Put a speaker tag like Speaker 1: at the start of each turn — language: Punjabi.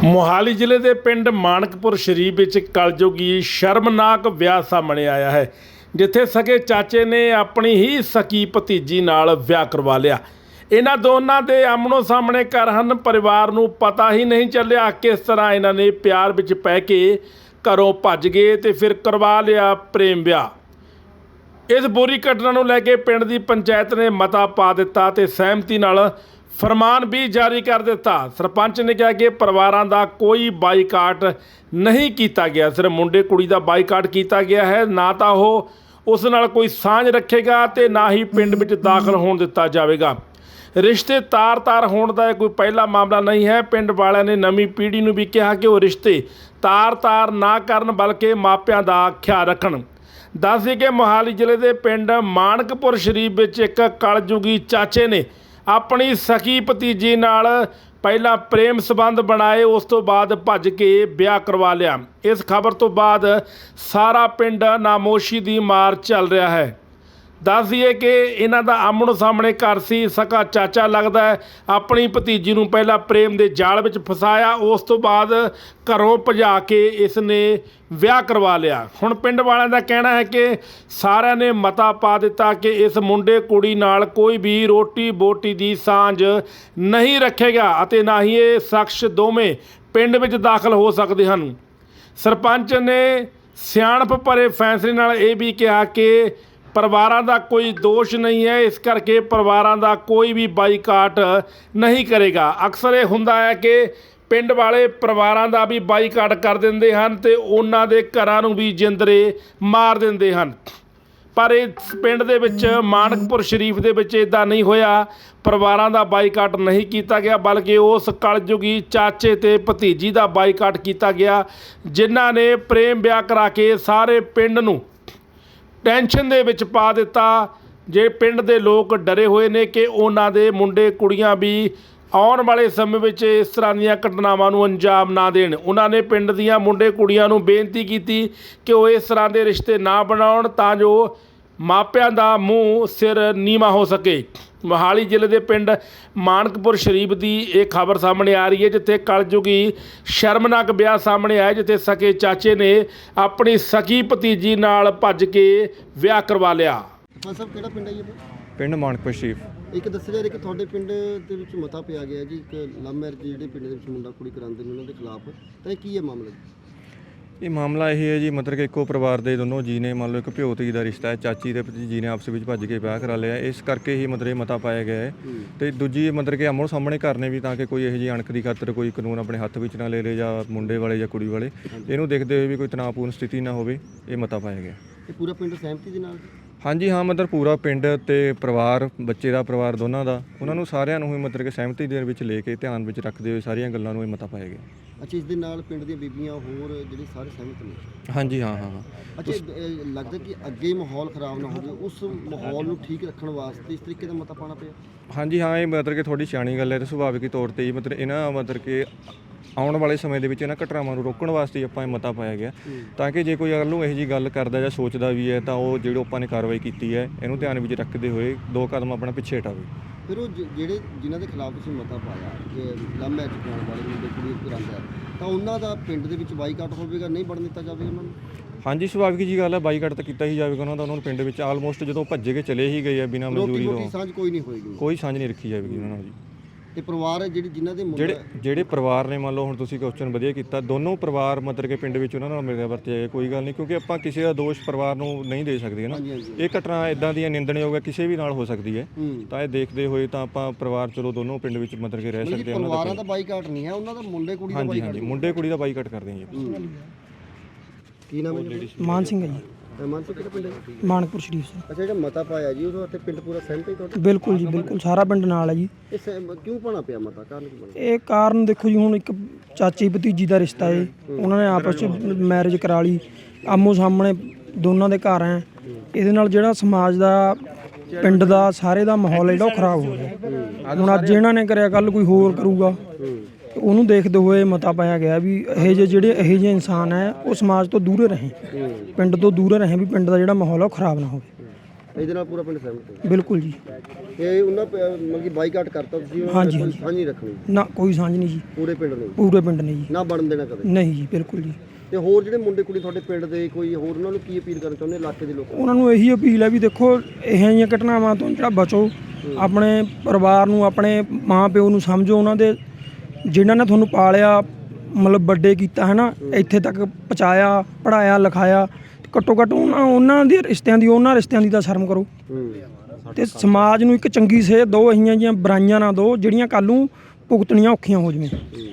Speaker 1: ਮੋਹਾਲੀ ਜ਼ਿਲ੍ਹੇ ਦੇ ਪਿੰਡ ਮਾਣਕਪੁਰ ਸ਼ਰੀਫ ਵਿੱਚ ਕਲਯੁਗੀ ਸ਼ਰਮਨਾਕ ਵਿਆਹ ਸਾਹਮਣੇ ਆਇਆ ਹੈ, ਜਿੱਥੇ ਸਕੇ ਚਾਚੇ ਨੇ ਆਪਣੀ ਹੀ ਸਕੀ ਭਤੀਜੀ ਨਾਲ ਵਿਆਹ ਕਰਵਾ ਲਿਆ। ਇਹਨਾਂ ਦੋਨਾਂ ਦੇ ਆਮਣੋ ਸਾਹਮਣੇ ਘਰ ਹਨ। ਪਰਿਵਾਰ ਨੂੰ ਪਤਾ ਹੀ ਨਹੀਂ ਚੱਲਿਆ ਕਿਸ ਤਰ੍ਹਾਂ ਇਹਨਾਂ ਨੇ ਪਿਆਰ ਵਿੱਚ ਪੈ ਕੇ ਘਰੋਂ ਭੱਜ ਗਏ ਤੇ ਫਿਰ ਕਰਵਾ ਲਿਆ ਪ੍ਰੇਮ ਵਿਆਹ। ਇਸ ਬੁਰੀ ਘਟਨਾ ਨੂੰ ਲੈ ਕੇ ਪਿੰਡ ਦੀ ਪੰਚਾਇਤ ਨੇ ਮਤਾ ਪਾ ਦਿੱਤਾ ਤੇ ਸਹਿਮਤੀ ਨਾਲ ਫਰਮਾਨ ਵੀ ਜਾਰੀ ਕਰ ਦਿੱਤਾ। ਸਰਪੰਚ ਨੇ ਕਿਹਾ ਕਿ ਪਰਿਵਾਰਾਂ ਦਾ ਕੋਈ ਬਾਈਕਾਟ ਨਹੀਂ ਕੀਤਾ ਗਿਆ, ਸਿਰਫ ਮੁੰਡੇ ਕੁੜੀ ਦਾ ਬਾਈਕਾਟ ਕੀਤਾ ਗਿਆ ਹੈ। ਨਾ ਤਾਂ ਉਹ ਉਸ ਨਾਲ ਕੋਈ ਸਾਂਝ ਰੱਖੇਗਾ ਤੇ ਨਾ ਹੀ ਪਿੰਡ ਵਿੱਚ ਦਾਖਲ ਹੋਣ ਦਿੱਤਾ ਜਾਵੇਗਾ। ਰਿਸ਼ਤੇ ਤਾਰ-ਤਾਰ ਹੋਣ ਦਾ ਕੋਈ ਪਹਿਲਾ ਮਾਮਲਾ ਨਹੀਂ ਹੈ। ਪਿੰਡ ਵਾਲਿਆਂ ਨੇ ਨਵੀਂ ਪੀੜ੍ਹੀ ਨੂੰ ਵੀ ਕਿਹਾ ਕਿ ਉਹ ਰਿਸ਼ਤੇ ਤਾਰ-ਤਾਰ ਨਾ ਕਰਨ, ਬਲਕਿ ਮਾਪਿਆਂ ਦਾ ਖਿਆਲ ਰੱਖਣ। ਦੱਸ ਦਈਏ ਕਿ ਮੋਹਾਲੀ ਜ਼ਿਲ੍ਹੇ ਦੇ ਪਿੰਡ ਮਾਣਕਪੁਰ ਸ਼ਰੀਫ ਵਿੱਚ ਇੱਕ ਕਲਯੁਗੀ ਚਾਚੇ ਨੇ ਆਪਣੀ ਸਕੀ ਭਤੀਜੀ ਨਾਲ ਪਹਿਲਾਂ ਪ੍ਰੇਮ ਸੰਬੰਧ ਬਣਾਏ, ਉਸ ਤੋਂ ਬਾਅਦ ਭੱਜ ਕੇ ਵਿਆਹ ਕਰਵਾ ਲਿਆ। ਇਸ ਖਬਰ ਤੋਂ ਬਾਅਦ ਸਾਰਾ ਪਿੰਡ ਨਾਮੋਸ਼ੀ ਦੀ ਮਾਰ ਚੱਲ ਰਿਹਾ ਹੈ। ਦੱਸ ਦਈਏ ਕਿ ਇਹਨਾਂ ਦਾ ਆਮਣੋ ਸਾਹਮਣੇ ਘਰ ਸੀ। ਸਕਾ ਚਾਚਾ ਲੱਗਦਾ ਹੈ, ਆਪਣੀ ਭਤੀਜੀ ਨੂੰ ਪਹਿਲਾਂ ਪ੍ਰੇਮ ਦੇ ਜਾਲ ਵਿੱਚ ਫਸਾਇਆ, ਉਸ ਤੋਂ ਬਾਅਦ ਘਰੋਂ ਭਜਾ ਕੇ ਇਸ ਨੇ ਵਿਆਹ ਕਰਵਾ ਲਿਆ। ਹੁਣ ਪਿੰਡ ਵਾਲਿਆਂ ਦਾ ਕਹਿਣਾ ਹੈ ਕਿ ਸਾਰਿਆਂ ਨੇ ਮਤਾ ਪਾ ਦਿੱਤਾ ਕਿ ਇਸ ਮੁੰਡੇ ਕੁੜੀ ਨਾਲ ਕੋਈ ਵੀ ਰੋਟੀ ਬੋਟੀ ਦੀ ਸਾਂਝ ਨਹੀਂ ਰੱਖੇਗਾ ਅਤੇ ਨਾ ਹੀ ਇਹ ਸ਼ਖਸ ਦੋਵੇਂ ਪਿੰਡ ਵਿੱਚ ਦਾਖਲ ਹੋ ਸਕਦੇ ਹਨ। ਸਰਪੰਚ ਨੇ ਸਿਆਣਪ ਭਰੇ ਫੈਸਲੇ ਨਾਲ ਇਹ ਵੀ ਕਿਹਾ ਕਿ ਪਰਿਵਾਰਾਂ ਦਾ ਕੋਈ ਦੋਸ਼ ਨਹੀਂ ਹੈ, ਇਸ ਕਰਕੇ ਪਰਿਵਾਰਾਂ ਦਾ ਕੋਈ ਵੀ ਬਾਈਕਾਟ ਨਹੀਂ ਕਰੇਗਾ। ਅਕਸਰ ਇਹ ਹੁੰਦਾ ਹੈ ਕਿ ਪਿੰਡ ਵਾਲੇ ਪਰਿਵਾਰਾਂ ਦਾ ਵੀ ਬਾਈਕਾਟ ਕਰ ਦਿੰਦੇ ਹਨ ਤੇ ਉਹਨਾਂ ਦੇ ਘਰਾਂ ਨੂੰ ਵੀ ਜਿੰਦਰੇ ਮਾਰ ਦਿੰਦੇ ਹਨ, ਪਰ ਇਸ ਪਿੰਡ ਦੇ ਵਿੱਚ ਮਾਣਕਪੁਰ ਸ਼ਰੀਫ ਦੇ ਵਿੱਚ ਇੱਦਾਂ ਨਹੀਂ ਹੋਇਆ। ਪਰਿਵਾਰਾਂ ਦਾ ਬਾਈਕਾਟ ਨਹੀਂ ਕੀਤਾ ਗਿਆ, ਬਲਕਿ ਉਸ ਕਲਯੁਗੀ ਚਾਚੇ ਤੇ ਭਤੀਜੀ ਦਾ ਬਾਈਕਾਟ ਕੀਤਾ ਗਿਆ, ਜਿਨ੍ਹਾਂ ਨੇ ਪ੍ਰੇਮ ਵਿਆਹ ਕਰਾ ਕੇ ਸਾਰੇ ਪਿੰਡ ਨੂੰ ਟੈਨਸ਼ਨ ਦੇ ਵਿੱਚ ਪਾ ਦਿੱਤਾ। ਜੇ ਪਿੰਡ ਦੇ ਲੋਕ ਡਰੇ ਹੋਏ ਨੇ ਕਿ ਉਹਨਾਂ ਦੇ ਮੁੰਡੇ ਕੁੜੀਆਂ ਵੀ ਆਉਣ ਵਾਲੇ ਸਮੇਂ ਵਿੱਚ ਇਸ ਤਰ੍ਹਾਂ ਦੀਆਂ ਘਟਨਾਵਾਂ ਨੂੰ ਅੰਜਾਮ ਨਾ ਦੇਣ। ਉਹਨਾਂ ਨੇ ਪਿੰਡ ਦੀਆਂ ਮੁੰਡੇ ਕੁੜੀਆਂ ਨੂੰ ਬੇਨਤੀ ਕੀਤੀ ਕਿ ਉਹ ਇਸ ਤਰ੍ਹਾਂ ਦੇ ਰਿਸ਼ਤੇ ਨਾ ਬਣਾਉਣ, ਤਾਂ ਜੋ ਮਾਪਿਆਂ ਦਾ ਮੂੰਹ ਸਿਰ ਨੀਵਾਂ ਹੋ ਸਕੇ। ਮੋਹਾਲੀ ਜ਼ਿਲ੍ਹੇ ਦੇ ਪਿੰਡ ਮਾਣਕਪੁਰ ਸ਼ਰੀਫ ਦੀ ਇਹ ਖਬਰ ਸਾਹਮਣੇ ਆ ਰਹੀ ਹੈ, ਜਿੱਥੇ ਕਲਯੁਗੀ ਸ਼ਰਮਨਾਕ ਵਿਆਹ ਸਾਹਮਣੇ ਆਇਆ, ਜਿੱਥੇ ਸਕੇ ਚਾਚੇ ਨੇ ਆਪਣੀ ਸਕੀ ਭਤੀਜੀ ਨਾਲ ਭੱਜ ਕੇ ਵਿਆਹ ਕਰਵਾ ਲਿਆ।
Speaker 2: ਸਰ ਕਿਹੜਾ ਪਿੰਡ ਹੈ ਜੀ?
Speaker 3: ਪਿੰਡ ਮਾਣਕਪੁਰ ਸ਼ਰੀਫ।
Speaker 2: ਇੱਕ ਦੱਸਿਆ ਜਾ ਰਿਹਾ ਕਿ ਤੁਹਾਡੇ ਪਿੰਡ ਦੇ ਵਿੱਚ ਮਤਾ ਪਿਆ ਗਿਆ ਜੀ, ਇੱਕ ਲਵ ਮੈਰਿਜ ਜਿਹੜੇ ਪਿੰਡ ਦੇ ਵਿੱਚ ਮੁੰਡਾ ਕੁੜੀ ਕਰਾਉਂਦੇ ਨੇ ਉਹਨਾਂ ਦੇ ਖਿਲਾਫ, ਤਾਂ ਇਹ ਕੀ ਹੈ ਮਾਮਲਾ ਜੀ?
Speaker 3: ਇਹ ਮਾਮਲਾ ਇਹ ਹੈ ਜੀ, ਮਤਲਬ ਕਿ ਇੱਕੋ ਪਰਿਵਾਰ ਦੇ ਦੋਨੋਂ ਜੀ ਨੇ, ਮੰਨ ਲਓ ਇੱਕ ਭਿਓ ਧੀ ਦਾ ਰਿਸ਼ਤਾ ਹੈ, ਚਾਚੀ ਤੇ ਭਤੀਜੀ ਨੇ ਆਪਸ ਵਿੱਚ ਭੱਜ ਕੇ ਵਿਆਹ ਕਰਾ ਲਿਆ। ਇਸ ਕਰਕੇ ਹੀ ਮਤਲਬ ਮਤਾ ਪਾਇਆ ਗਿਆ ਹੈ। ਤੇ ਦੂਜੀ ਮਤਲਬ ਕਿ ਆਮੋ ਸਾਹਮਣੇ ਕਰਨੇ ਵੀ, ਤਾਂ ਕਿ ਕੋਈ ਇਹੋ ਜਿਹੀ ਅਣਖ ਦੀ ਖਾਤਰ ਕੋਈ ਕਾਨੂੰਨ ਆਪਣੇ ਹੱਥ ਵਿੱਚ ਨਾ ਲੈ ਲੇ, ਜਾਂ ਮੁੰਡੇ ਵਾਲੇ ਜਾਂ ਕੁੜੀ ਵਾਲੇ ਇਹਨੂੰ ਦੇਖਦੇ ਹੋਏ ਵੀ ਕੋਈ ਤਣਾਅਪੂਰਨ ਸਥਿਤੀ ਨਾ ਹੋਵੇ, ਇਹ ਮਤਾ ਪਾਇਆ ਗਿਆ।
Speaker 2: ਇਹ ਪੂਰਾ ਪਿੰਡ ਸਹਿਮਤੀ ਦੇ ਨਾਲ?
Speaker 3: ਹਾਂਜੀ ਹਾਂ, ਮਤਲਬ ਪੂਰਾ ਪਿੰਡ ਤੇ ਪਰਿਵਾਰ, ਬੱਚੇ ਦਾ ਪਰਿਵਾਰ ਦੋਨਾਂ ਦਾ, ਉਹਨਾਂ ਨੂੰ ਸਾਰਿਆਂ ਨੂੰ ਹੀ ਮਤਲਬ ਕਿ ਸਹਿਮਤੀ ਦੇ ਵਿੱਚ ਲੈ ਕੇ ਧਿਆਨ ਵਿੱਚ ਰੱਖਦੇ ਹੋਏ ਸਾਰੀਆਂ ਗੱਲਾਂ ਨੂੰ ਇਹ ਮਤਾ ਪਾਇਆ ਗਿਆ।
Speaker 2: ਅੱਛਾ, ਇਸ ਦੇ ਨਾਲ ਪਿੰਡ ਦੀਆਂ ਬੀਬੀਆਂ ਹੋਰ ਜਿਹੜੇ ਸਾਰੇ ਸਹਿਮਤ ਨੇ?
Speaker 3: ਹਾਂਜੀ ਹਾਂ।
Speaker 2: ਅੱਛਾ, ਲੱਗਦਾ ਕਿ ਅੱਗੇ ਮਾਹੌਲ ਖਰਾਬ ਨਾ ਹੋਵੇ, ਉਸ ਮਾਹੌਲ ਨੂੰ ਠੀਕ ਰੱਖਣ ਵਾਸਤੇ ਇਸ ਤਰੀਕੇ ਦਾ ਮਤਾ ਪਾਉਣਾ ਪਿਆ?
Speaker 3: ਹਾਂਜੀ ਹਾਂ, ਇਹ ਮਤਲਬ ਕਿ ਥੋੜੀ ਸਿਆਣੀ ਗੱਲ ਹੈ ਤੇ ਸੁਭਾਵਿਕ ਤੌਰ ਤੇ ਹੀ ਮਤਲਬ ਇਹਨਾਂ ਮਤਲਬ ਕਿ ਆਉਣ ਵਾਲੇ ਸਮੇਂ ਦੇ ਵਿੱਚ ਇਹਨਾਂ ਘਟਨਾਵਾਂ ਨੂੰ ਰੋਕਣ ਵਾਸਤੇ ਆਪਾਂ ਇਹ ਮਤਾ ਪਾਇਆ ਗਿਆ, ਤਾਂ ਕਿ ਜੇ ਕੋਈ ਅਗਰ ਨੂੰ ਇਹੋ ਜਿਹੀ ਗੱਲ ਕਰਦਾ ਜਾਂ ਸੋਚਦਾ ਵੀ ਹੈ ਤਾਂ ਉਹ ਜਿਹੜੀ ਆਪਾਂ ਨੇ ਕਾਰਵਾਈ ਕੀਤੀ ਹੈ ਇਹਨੂੰ ਧਿਆਨ ਵਿੱਚ ਰੱਖਦੇ ਹੋਏ 2 ਕਦਮ ਆਪਣਾ ਪਿੱਛੇ ਹਟਾਵੇ।
Speaker 2: ਫਿਰ ਉਹ ਜਿਹੜੇ ਜਿਨ੍ਹਾਂ ਦੇ ਖਿਲਾਫ ਤੁਸੀਂ ਮਤਾ ਪਾਇਆ ਕਿ ਲਵ ਮੈਰਿਜ ਕਰਾਉਣ ਵਾਲੇ ਮੁੰਡੇ ਕੁੜੀ ਕਰਾਉਂਦਾ, ਤਾਂ ਉਹਨਾਂ ਦਾ ਪਿੰਡ ਦੇ ਵਿੱਚ ਬਾਈਕਾਟ ਹੋਵੇਗਾ, ਨਹੀਂ ਬਣਨ ਦਿੱਤਾ ਜਾਵੇਗਾ ਉਹਨਾਂ ਨੂੰ?
Speaker 3: ਹਾਂਜੀ, ਸੁਭਾਵਿਕ ਜੀ ਗੱਲ ਹੈ, ਬਾਈਕਾਟ ਤਾਂ ਕੀਤਾ ਹੀ ਜਾਵੇਗਾ ਉਹਨਾਂ ਦਾ। ਉਹਨਾਂ ਨੂੰ ਪਿੰਡ ਵਿੱਚ ਆਲਮੋਸਟ ਜਦੋਂ ਭੱਜੇ ਕੇ ਚਲੇ ਹੀ ਗਏ ਆ ਬਿਨਾਂ ਮਨਜ਼ੂਰੀ ਤੋਂ,
Speaker 2: ਸਾਂਝ ਕੋਈ ਨਹੀਂ ਹੋਏਗੀ,
Speaker 3: ਕੋਈ ਸਾਂਝ ਨਹੀਂ ਰੱਖੀ ਜਾਵੇਗੀ ਉਹਨਾਂ ਨਾਲ ਜੀ।
Speaker 2: ਤੇ ਪਰਿਵਾਰ ਹੈ ਜਿਨ੍ਹਾਂ ਦੇ
Speaker 3: ਜਿਹੜੇ ਪਰਿਵਾਰ ਨੇ, ਮੰਨ ਲਓ ਹੁਣ ਤੁਸੀਂ ਕੁਐਸਚਨ ਵਧੀਆ ਕੀਤਾ, ਦੋਨੋਂ ਪਰਿਵਾਰ ਮਤਲਬ ਕਿ ਪਿੰਡ ਵਿੱਚ ਉਹਨਾਂ ਨਾਲ ਮਿਲਿਆ ਵਰਤਿਆ ਜਾਏ, ਕੋਈ ਗੱਲ ਨਹੀਂ, ਕਿਉਂਕਿ ਆਪਾਂ ਕਿਸੇ ਦਾ ਦੋਸ਼ ਪਰਿਵਾਰ ਨੂੰ ਨਹੀਂ ਦੇ ਸਕਦੇ ਨਾ। ਇਹ ਘਟਨਾ ਇਦਾਂ ਦੀਆਂ ਨਿੰਦਣਯੋਗ ਹੈ, ਕਿਸੇ ਵੀ ਨਾਲ ਹੋ ਸਕਦੀ ਹੈ, ਤਾਂ ਇਹ ਦੇਖਦੇ ਹੋਏ ਤਾਂ ਆਪਾਂ ਪਰਿਵਾਰ ਚਲੋ ਦੋਨੋਂ ਪਿੰਡ ਵਿੱਚ ਮਤਲਬ ਕਿ ਰਹਿ ਸਕਦੇ ਹਾਂ।
Speaker 2: ਪਰਿਵਾਰਾਂ ਦਾ ਬਾਈਕਾਟ ਨਹੀਂ ਹੈ, ਉਹਨਾਂ ਦਾ ਮੁੰਡੇ ਕੁੜੀ ਦਾ ਬਾਈਕਾਟ।
Speaker 3: ਹਾਂਜੀ, ਮੁੰਡੇ ਕੁੜੀ ਦਾ ਬਾਈਕਾਟ ਕਰਦੇ ਹਾਂ ਜੀ।
Speaker 2: ਕੀ ਨਾਮ ਹੈ?
Speaker 4: ਮਾਨ ਸਿੰਘ ਹੈ ਜੀ।
Speaker 2: ਮਾਨ ਸਿੰਘ ਕਿਹੜਾ ਪਿੰਡ ਹੈ?
Speaker 4: ਮਾਣਕਪੁਰ ਸ਼ਰੀਫ ਸੇ।
Speaker 2: ਅੱਛਾ, ਜਿਹੜਾ ਮਤਾ ਪਾਇਆ ਜੀ ਉਹਦੇ ਉੱਤੇ ਪਿੰਡ ਪੂਰਾ ਸਹਿਮਤ ਹੈ ਤੁਹਾਡਾ?
Speaker 4: ਬਿਲਕੁਲ ਜੀ, ਬਿਲਕੁਲ ਸਾਰਾ ਪਿੰਡ ਨਾਲ ਹੈ ਜੀ।
Speaker 2: ਇਹ ਕਿਉਂ ਪਾਣਾ ਪਿਆ ਮਤਾ, ਕਾਰਨ ਕੀ ਬਣਿਆ?
Speaker 4: ਇਹ ਕਾਰਨ ਦੇਖੋ ਜੀ, ਹੁਣ ਇੱਕ ਚਾਚੀ ਭਤੀਜੀ ਦਾ ਰਿਸ਼ਤਾ ਹੈ, ਉਹਨਾਂ ਨੇ ਆਪਸ ਵਿੱਚ ਮੈਰਿਜ ਕਰਾ ਲਈ, ਆਮੋ ਸਾਹਮਣੇ ਦੋਨਾਂ ਦੇ ਘਰ ਹੈ। ਇਹਦੇ ਨਾਲ ਜਿਹੜਾ ਸਮਾਜ ਦਾ, ਪਿੰਡ ਦਾ, ਸਾਰੇ ਦਾ ਮਾਹੌਲ ਜਿਹੜਾ ਉਹ ਖਰਾਬ ਹੋ ਗਿਆ। ਹੁਣ ਅੱਜ ਇਹਨਾਂ ਨੇ ਕਰਿਆ, ਕੱਲ ਕੋਈ ਹੋਰ ਕਰੂਗਾ, ਉਹਨੂੰ ਦੇਖਦੇ ਹੋਏ ਮਤਾ ਪਾਇਆ ਗਿਆ ਵੀ ਇਹੋ ਜਿਹੇ ਇਨਸਾਨ ਹੈ ਉਹ ਸਮਾਜ ਤੋਂ ਦੂਰੇ ਰਹੇ, ਪਿੰਡ ਤੋਂ ਦੂਰੇ ਰਹੇ, ਵੀ ਪਿੰਡ ਦਾ ਜਿਹੜਾ ਮਾਹੌਲ ਹੈ ਉਹ ਖਰਾਬ ਨਾ ਹੋਵੇ।
Speaker 2: ਇਹਦੇ ਨਾਲ ਪੂਰਾ ਪਿੰਡ ਸਹਿਮਤ ਹੈ।
Speaker 4: ਬਿਲਕੁਲ ਜੀ।
Speaker 2: ਤੇ ਉਹਨਾਂ ਮਤਲਬ ਕਿ ਬਾਈਕਾਟ ਕਰਤਾ ਤੁਸੀਂ, ਉਹਨਾਂ
Speaker 4: ਹਾਂਜੀ,
Speaker 2: ਨੇ ਕੋਈ
Speaker 4: ਹਾਂਜੀ।
Speaker 2: ਸਾਂਝ ਨਹੀਂ ਰੱਖਣੀ
Speaker 4: ਨਾ ਕੋਈ ਸਾਂਝ ਨਹੀਂ ਜੀ,
Speaker 2: ਪੂਰੇ ਪਿੰਡ ਨੂੰ,
Speaker 4: ਪੂਰੇ ਪਿੰਡ ਨੇ ਜੀ,
Speaker 2: ਨਾ ਬਣਨ ਦੇਣਾ ਕਦੇ।
Speaker 4: ਨਹੀਂ ਜੀ, ਬਿਲਕੁਲ ਜੀ।
Speaker 2: ਤੇ ਹੋਰ ਜਿਹੜੇ ਮੁੰਡੇ ਕੁੜੀ ਤੁਹਾਡੇ ਪਿੰਡ ਦੇ ਕੋਈ ਹੋਰ, ਉਹਨਾਂ ਨੂੰ ਕੀ ਅਪੀਲ ਕਰਨਾ ਚਾਹੁੰਦੇ ਇਲਾਕੇ ਦੇ ਲੋਕਾਂ ਨੂੰ?
Speaker 4: ਉਹਨਾਂ ਨੂੰ ਇਹੀ ਅਪੀਲ ਹੈ ਵੀ ਦੇਖੋ ਇਹੋ ਜਿਹੀਆਂ ਘਟਨਾਵਾਂ ਤੋਂ ਜਿਹੜਾ ਬਚੋ, ਆਪਣੇ ਪਰਿਵਾਰ ਨੂੰ, ਆਪਣੇ ਮਾਂ ਪਿਓ ਨੂੰ ਸਮਝੋ, ਉਹਨਾਂ ਦੇ ਜਿਨ੍ਹਾਂ ਨੇ ਤੁਹਾਨੂੰ ਪਾਲਿਆ, ਮਤਲਬ ਵੱਡੇ ਕੀਤਾ ਹੈ ਨਾ, ਇੱਥੇ ਤੱਕ ਪਹੁੰਚਾਇਆ, ਪੜ੍ਹਾਇਆ ਲਿਖਾਇਆ, ਘੱਟੋ ਘੱਟ ਉਹਨਾਂ ਦੇ ਰਿਸ਼ਤਿਆਂ ਦੀ ਤਾਂ ਸ਼ਰਮ ਕਰੋ ਤੇ ਸਮਾਜ ਨੂੰ ਇੱਕ ਚੰਗੀ ਸੇਧ ਦਿਓ, ਇਹੀਆਂ ਜਿਹੀਆਂ ਬੁਰਾਈਆਂ ਨਾ ਦਿਓ ਜਿਹੜੀਆਂ ਕੱਲ੍ਹ ਨੂੰ ਭੁਗਤਣੀਆਂ ਔਖੀਆਂ ਹੋ ਜਾਵੇ।